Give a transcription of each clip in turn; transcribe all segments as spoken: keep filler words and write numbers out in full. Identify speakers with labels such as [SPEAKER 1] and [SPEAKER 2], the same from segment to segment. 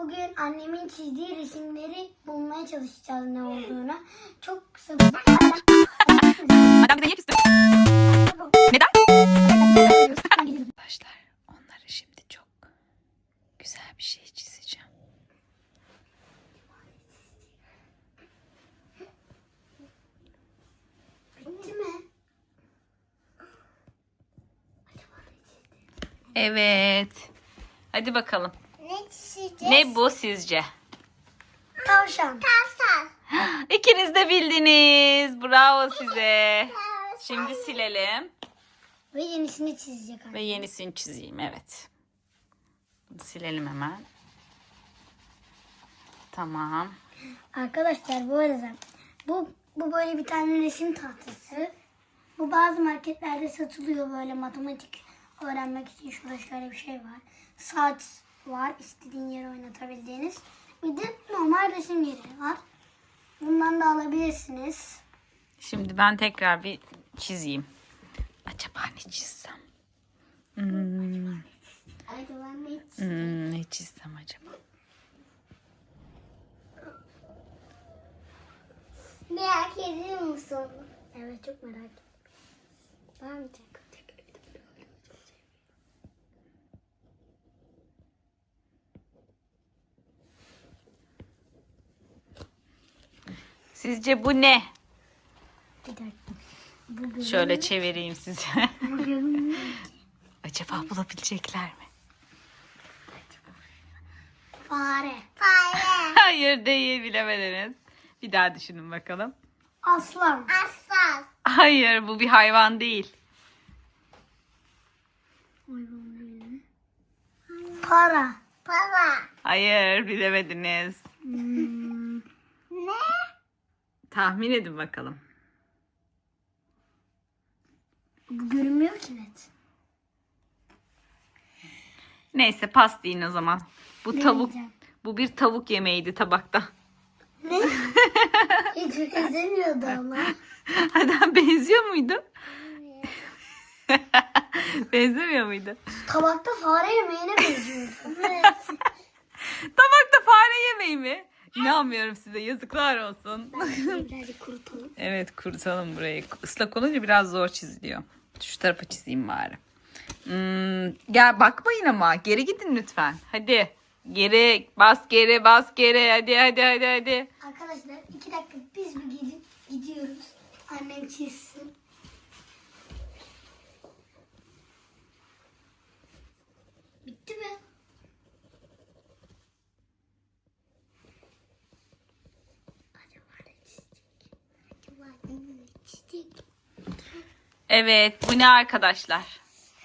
[SPEAKER 1] bugün annemin çizdiği resimleri bulmaya çalışacağız ne olduğunu. Çok kısa.
[SPEAKER 2] Adam bize niye küstü? Neden? Arkadaşlar onları şimdi çok güzel bir şey çizeceğim.
[SPEAKER 1] Bitti mi?
[SPEAKER 2] Evet. Hadi bakalım.
[SPEAKER 1] Ne çizeceğiz?
[SPEAKER 2] Ne bu sizce?
[SPEAKER 1] Tavşan. Tavşan.
[SPEAKER 2] İkiniz de bildiniz. Bravo size. Şimdi silelim.
[SPEAKER 1] Ve yenisini çizecek anne.
[SPEAKER 2] Ve yenisini çizeyim. Evet. Bunu silelim hemen. Tamam.
[SPEAKER 1] Arkadaşlar bu arada bu bu böyle bir tane resim tahtası. Bu bazı marketlerde satılıyor böyle matematik öğrenmek için. Şurada şöyle bir şey var. Saat var. İstediğin yere oynatabildiğiniz. Bir de normal resim yeri var. Bundan da alabilirsiniz.
[SPEAKER 2] Şimdi ben tekrar bir çizeyim. Acaba ne çizsem? Hmm,
[SPEAKER 1] Acaba ne
[SPEAKER 2] hmm, ne çizsem acaba?
[SPEAKER 1] Merak ediyor musun? Evet, çok merak ettim. Ben de.
[SPEAKER 2] Sizce bu ne?
[SPEAKER 1] Bir dakika. Bugün,
[SPEAKER 2] Şöyle çevireyim size.
[SPEAKER 1] bugün
[SPEAKER 2] Acaba bulabilecekler mi?
[SPEAKER 1] fare. Fare.
[SPEAKER 2] Hayır değil, bilemediniz. Bir daha düşünün bakalım.
[SPEAKER 1] Aslan. Aslan.
[SPEAKER 2] Hayır, bu bir hayvan değil.
[SPEAKER 1] Para. Para.
[SPEAKER 2] Hayır, bilemediniz.
[SPEAKER 1] Hmm. Ne?
[SPEAKER 2] Tahmin edin bakalım.
[SPEAKER 1] Bu görünmüyor ki net.
[SPEAKER 2] Neyse, pas deyin o zaman. Bu
[SPEAKER 1] Ne
[SPEAKER 2] tavuk,
[SPEAKER 1] diyeceğim?
[SPEAKER 2] bu bir tavuk yemeğiydi tabakta.
[SPEAKER 1] Ne? Hiç benzemiyordu ama.
[SPEAKER 2] Adam benziyor muydu? Benzemiyor muydu?
[SPEAKER 1] Tabakta fare yemeğine benziyordu. Evet.
[SPEAKER 2] Tabakta fare yemeği mi? İnanmıyorum size, yazıklar olsun.
[SPEAKER 1] Birazcık kurutalım.
[SPEAKER 2] Evet, kurutalım burayı. Islak olunca biraz zor çiziliyor. Şu tarafa çizeyim bari. Hmm, gel bakmayın ama. Geri gidin lütfen. Hadi. Geri bas geri bas geri. Hadi hadi hadi hadi.
[SPEAKER 1] Arkadaşlar iki dakika biz bir gidip gidiyoruz. Annem çizsin. Bitti mi? Acaba ne çizecek? Acaba ne çizecek?
[SPEAKER 2] Evet, bu ne arkadaşlar?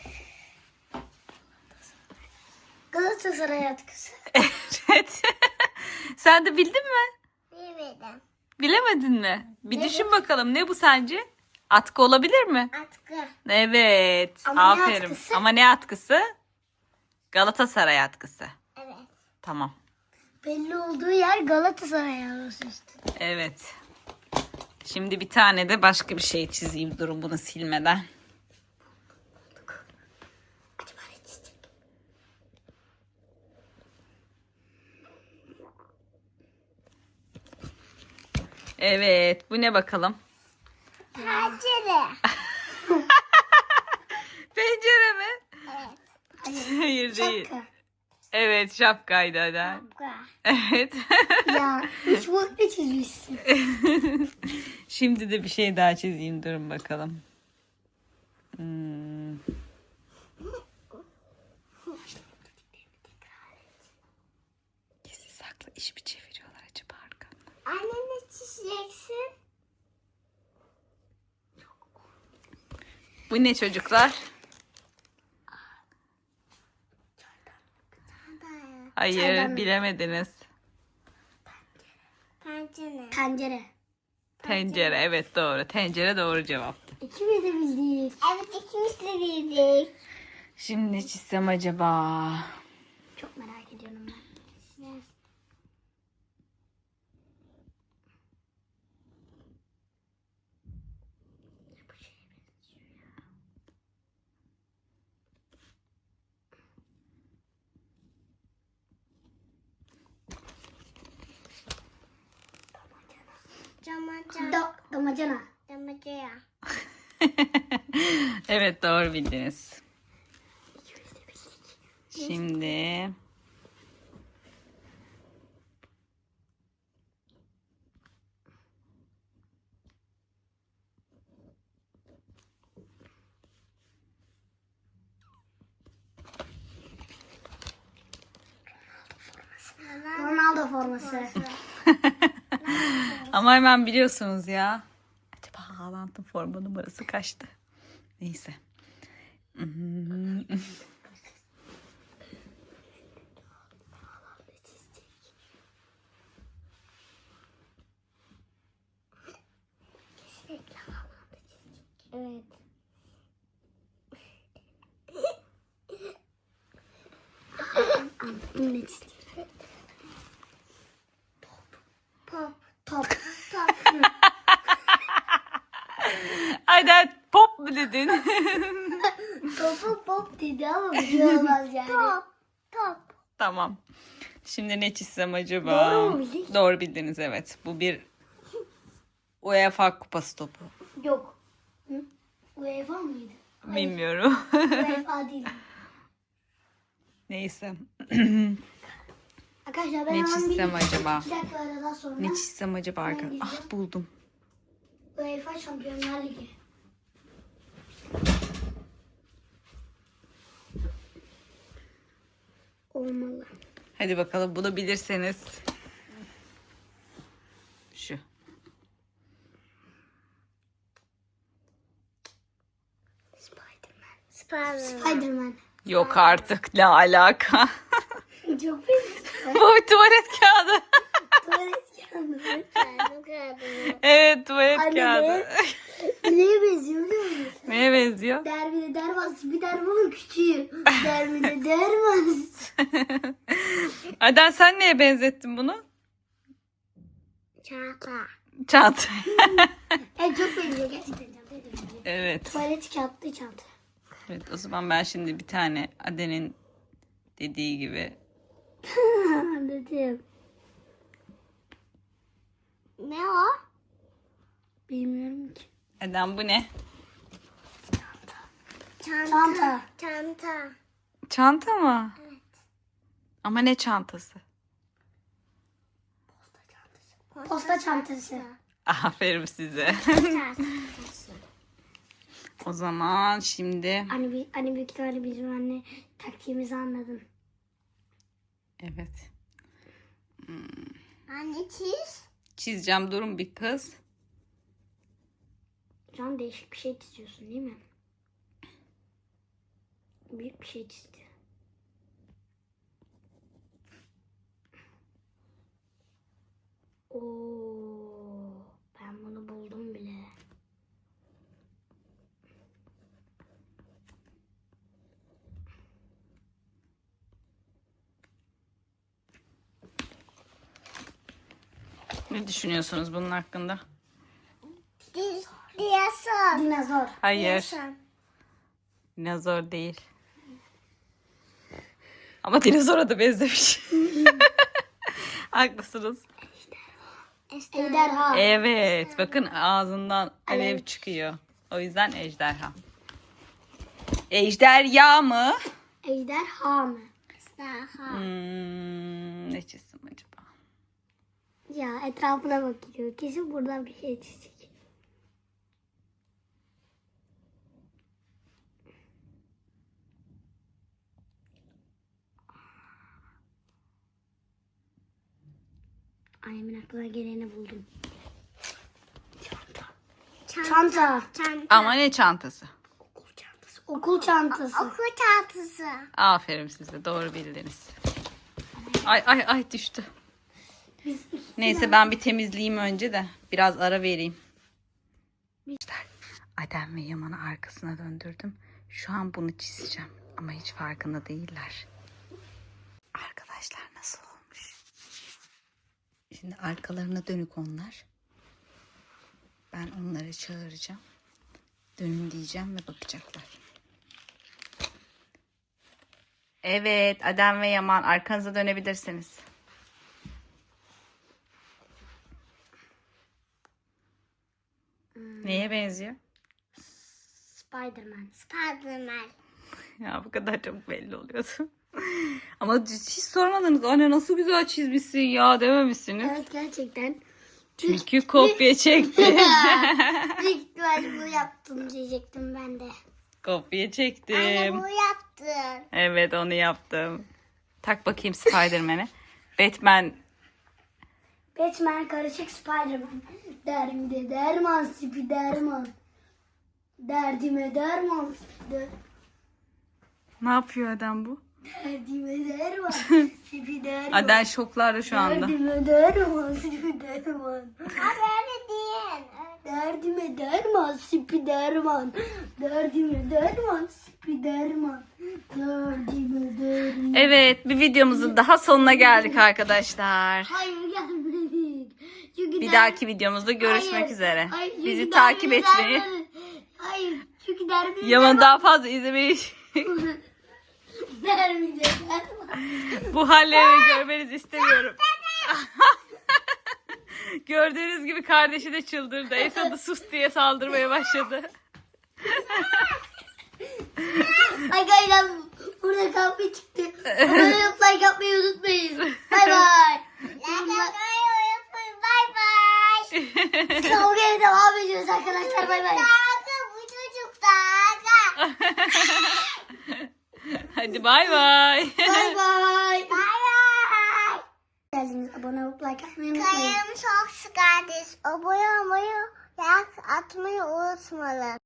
[SPEAKER 1] Galatasaray atkısı.
[SPEAKER 2] Evet. Sen de bildin mi?
[SPEAKER 1] Bilmedim.
[SPEAKER 2] Bilemedin mi? Bir
[SPEAKER 1] Evet.
[SPEAKER 2] düşün bakalım, ne bu sence? Atkı olabilir mi?
[SPEAKER 1] Atkı.
[SPEAKER 2] Evet.
[SPEAKER 1] Ama ne
[SPEAKER 2] aferin.
[SPEAKER 1] atkısı?
[SPEAKER 2] Ama ne atkısı? Galatasaray atkısı.
[SPEAKER 1] Evet.
[SPEAKER 2] Tamam.
[SPEAKER 1] Belli olduğu yer Galatasaray arası işte.
[SPEAKER 2] Evet. Şimdi bir tane de başka bir şey çizeyim, durun bunu silmeden.
[SPEAKER 1] Acaba ne çizecek?
[SPEAKER 2] Evet, bu ne bakalım?
[SPEAKER 1] Pencere.
[SPEAKER 2] Pencere mi?
[SPEAKER 1] Evet.
[SPEAKER 2] Hayır değil.
[SPEAKER 1] Şapka.
[SPEAKER 2] Evet, şapkaydı hadi.
[SPEAKER 1] Şapka.
[SPEAKER 2] Evet.
[SPEAKER 1] Ya üç boyutlu çizmişsin.
[SPEAKER 2] Şimdi de bir şey daha çizeyim, durun bakalım. Hmm. Gizli saklı iş mi çeviriyorlar acaba arkamda?
[SPEAKER 1] Anne ne çizeceksin?
[SPEAKER 2] Bu ne çocuklar? Hayır,
[SPEAKER 1] Çaydanlık.
[SPEAKER 2] bilemediniz.
[SPEAKER 1] Pencere. Pencere.
[SPEAKER 2] Tencere, evet doğru. Tencere doğru cevaptı.
[SPEAKER 1] İkimiz de bildik. Evet, ikimiz de bildik.
[SPEAKER 2] Şimdi ne çizsem acaba?
[SPEAKER 1] Çok merak ediyorum ben. Damacana. Damacana.
[SPEAKER 2] Evet, doğru bildiniz. Şimdi
[SPEAKER 1] Ronaldo forması.
[SPEAKER 2] ama hemen biliyorsunuz ya. Acaba Haaland'ın forma numarası kaçtı? Neyse. Hmm.
[SPEAKER 1] Evet. Ne çizecek? Top. Top. Top.
[SPEAKER 2] Aynen, pop mu dedin?
[SPEAKER 1] Topu pop dedi ama bir şey olmaz yani. Top. Top.
[SPEAKER 2] Tamam. Şimdi ne çizsem acaba?
[SPEAKER 1] Doğru mu bildik?
[SPEAKER 2] Doğru bildiniz, evet. Bu bir UEFA kupası topu.
[SPEAKER 1] Yok. Hı? UEFA mıydı?
[SPEAKER 2] Bilmiyorum.
[SPEAKER 1] UEFA değil.
[SPEAKER 2] Neyse.
[SPEAKER 1] Arkadaşlar ben
[SPEAKER 2] Ne
[SPEAKER 1] hemen
[SPEAKER 2] çizsem
[SPEAKER 1] bir
[SPEAKER 2] acaba?
[SPEAKER 1] iki dakika aradan sonra
[SPEAKER 2] Ne çizsem acaba arkadaşlar? Ah, buldum.
[SPEAKER 1] UEFA Şampiyonlar Ligi. Olmalı.
[SPEAKER 2] Hadi bakalım, bunu bilirseniz. Şu.
[SPEAKER 1] Spiderman. Spiderman. Spiderman.
[SPEAKER 2] Yok artık, ne alaka?
[SPEAKER 1] Çok benziyor.
[SPEAKER 2] Bu bir tuvalet kağıdı.
[SPEAKER 1] Tuvalet kağıdı.
[SPEAKER 2] Evet, tuvalet
[SPEAKER 1] Anne,
[SPEAKER 2] kağıdı.
[SPEAKER 1] Neye benziyor biliyor musun?
[SPEAKER 2] Neye benziyor?
[SPEAKER 1] Derbide dervaz bir dermanın küçüğü. Derbide dervaz.
[SPEAKER 2] Aden, sen neye benzettin bunu?
[SPEAKER 1] Çanta.
[SPEAKER 2] Çanta.
[SPEAKER 1] Evet çok benziyor gerçekten çantaya da benziyor.
[SPEAKER 2] Evet.
[SPEAKER 1] Tuvalet kağıtlı çanta.
[SPEAKER 2] Evet, o zaman ben şimdi bir tane Aden'in dediği gibi.
[SPEAKER 1] Anladım. Ne o? Bilmiyorum ki.
[SPEAKER 2] Aden, bu ne?
[SPEAKER 1] Çanta. Çanta.
[SPEAKER 2] Çanta mı? Evet. Ama ne çantası?
[SPEAKER 1] Posta çantası.
[SPEAKER 2] Aferin size. O zaman şimdi
[SPEAKER 1] Hani, bir- hani büyük ihtimalle bizim anne taktiğimizi anladın.
[SPEAKER 2] evet.
[SPEAKER 1] Anne çiz.
[SPEAKER 2] Çizeceğim, durun bir kız.
[SPEAKER 1] Şu an değişik bir şey çiziyorsun değil mi? Büyük bir şey çizdi. Oo, ben bunu buldum bile.
[SPEAKER 2] Ne düşünüyorsunuz bunun hakkında?
[SPEAKER 1] Dinozor. Dinozor.
[SPEAKER 2] Hayır. Dinozor değil. Ama dinozora da benzemiş. Haklısınız.
[SPEAKER 1] Ejderha.
[SPEAKER 2] Evet. Bakın, ağzından alev
[SPEAKER 1] Alev.
[SPEAKER 2] çıkıyor. O yüzden ejderha. Ejderha mı?
[SPEAKER 1] Ejderha mı? Ejderha.
[SPEAKER 2] Hmm, ne çizsem acaba?
[SPEAKER 1] Ya etrafına bakıyor. Kesin buradan bir şey çizecek. Annemin aklına geleni buldum. Çanta. Çanta. Çanta.
[SPEAKER 2] Ama ne çantası?
[SPEAKER 1] Okul çantası. Okul çantası. Okul çantası.
[SPEAKER 2] Aferin size. Doğru bildiniz. Ay ay ay, düştü. Neyse, ben bir temizleyeyim önce de biraz ara vereyim. Adem ve Yaman'ı arkasına döndürdüm. Şu an bunu çizeceğim ama hiç farkında değiller. Arkadaşlar, nasıl olmuş? Şimdi arkalarına dönük onlar. Ben onları çağıracağım. Dönün diyeceğim ve bakacaklar. Evet, Adem ve Yaman, arkanıza dönebilirsiniz. Neye benziyor?
[SPEAKER 1] Spiderman. Spiderman.
[SPEAKER 2] Ya bu kadar çok belli oluyordu. Ama hiç sormadınız. Anne nasıl güzel çizmişsin ya dememişsiniz.
[SPEAKER 1] Evet gerçekten.
[SPEAKER 2] Çünkü kopya çekti.
[SPEAKER 1] Büyük ihtimalle bu yaptım diyecektim ben de.
[SPEAKER 2] Kopya çektim.
[SPEAKER 1] yaptın.
[SPEAKER 2] Evet onu yaptım. Tak bakayım Spider-Man'e. Batman.
[SPEAKER 1] Batman karışık Spiderman. Derdimde derman Spiderman. Derdime derman. De-
[SPEAKER 2] Ne yapıyor adam bu?
[SPEAKER 1] Derdime derman Spiderman.
[SPEAKER 2] Aden şoklarda şu anda.
[SPEAKER 1] Derdime derman Spiderman. Abi öyle değil. Derdime derman Spiderman. Derdime derman Spiderman. Derdime derman.
[SPEAKER 2] Evet bir videomuzun daha sonuna geldik arkadaşlar.
[SPEAKER 1] Hayır gelmedik. Çünkü
[SPEAKER 2] Bir
[SPEAKER 1] der-
[SPEAKER 2] dahaki videomuzda görüşmek
[SPEAKER 1] Hayır,
[SPEAKER 2] üzere.
[SPEAKER 1] hayır, çünkü
[SPEAKER 2] Bizi
[SPEAKER 1] derbimi
[SPEAKER 2] takip etmeyi,
[SPEAKER 1] derman- Hayır çünkü derbimi
[SPEAKER 2] Yaman'ı daha fazla izlemeyi,
[SPEAKER 1] Derbimi derman.
[SPEAKER 2] bu hallerini görmenizi istemiyorum. Gördüğünüz gibi kardeşi de çıldırdı. Esat'ı sus diye saldırmaya başladı.
[SPEAKER 1] Arkadaşlar burada kavga çıktı. Abone olup like yapmayı unutmayın. Bay bay. Like yapmayı unutmayın. Bay bay. Kavgaya devam ediyoruz arkadaşlar. Bay bay. Bu çocuk da.
[SPEAKER 2] Hadi bay bay.
[SPEAKER 1] Bay bay. Bay bay. Geldiniz. Abone olup like yapmayı unutmayın.
[SPEAKER 3] Kayım çok sıkardı. Abone olmayı, like atmayı unutmayın.